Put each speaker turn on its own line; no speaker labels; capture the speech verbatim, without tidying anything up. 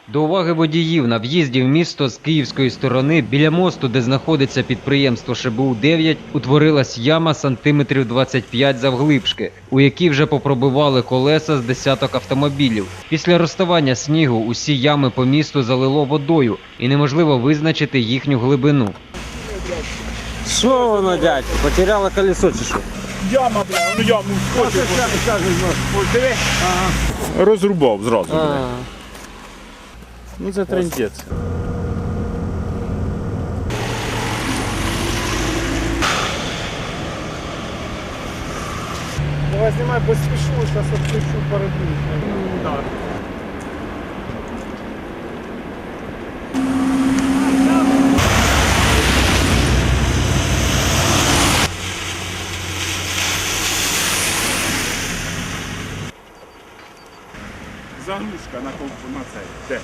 До уваги водіїв на в'їзді в місто з київської сторони біля мосту, де знаходиться підприємство Ш Б У дев'ять, утворилась яма сантиметрів двадцять п'ять завглибшки, у якій вже попробивали колеса з десяток автомобілів. Після розставання снігу усі ями по місту залило водою і неможливо визначити їхню глибину.
Що воно, дядько? Потеряло колесо чи що?
Яма, бля, ну яму вскочив. Ось диви. Розрубав зразу. бля.
Ну це трендець.
Давай знімай, бо спішу, зараз відключу передню.
Так. Заглушка на ковпу на цей. Де?